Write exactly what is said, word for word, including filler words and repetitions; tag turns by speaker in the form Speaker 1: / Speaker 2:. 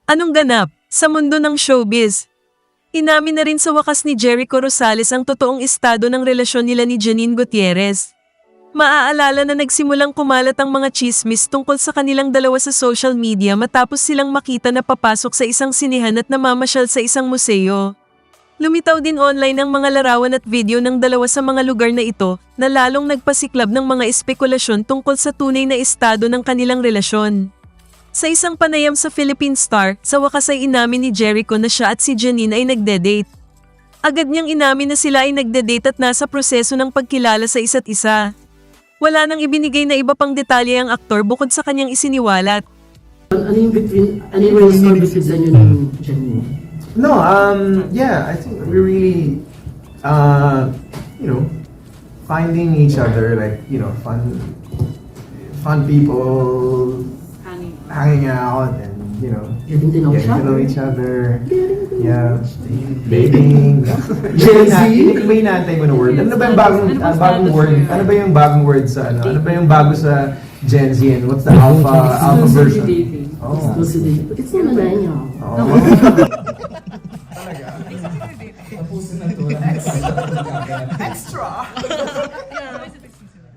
Speaker 1: Anong ganap sa mundo ng showbiz? Inamin na rin sa wakas ni Jericho Rosales ang totoong estado ng relasyon nila ni Janine Gutierrez. Maaalala na nagsimulang kumalat ang mga chismis tungkol sa kanilang dalawa sa social media matapos silang makita na papasok sa isang sinihan at namamasyal sa isang museo. Lumitaw din online ang mga larawan at video ng dalawa sa mga lugar na ito na lalong nagpasiklab ng mga espekulasyon tungkol sa tunay na estado ng kanilang relasyon. Sa isang panayam sa Philippine Star, sa wakas ay inamin ni Jericho na siya at si Janine ay nagde-date. Agad niyang inamin na sila ay nagde-date at nasa proseso ng pagkilala sa isa't isa. Wala nang ibinigay na iba pang detalye ang aktor bukod sa kanyang isiniwalat.
Speaker 2: Ano yung between, ano yung story between sa inyo ng Janine?
Speaker 3: No, um, yeah, I think we really, uh, you know, finding each other, like, you know, fun, fun people,
Speaker 2: Hanging.
Speaker 3: hanging out, and, you know,
Speaker 2: Getting to know each
Speaker 3: getting to know
Speaker 2: other.
Speaker 3: each other. Yeah, dating. Gen Z? Hindi ba inaantay mo na word? Ano ba yung bagong, ah, bagong word? Ano ba yung bagong word sa ano? Ano ba yung bago sa Gen Z and what's the alpha, alpha version? Oh.
Speaker 2: Exclusivity. But it's not millennial.
Speaker 3: Oh.
Speaker 4: Extra!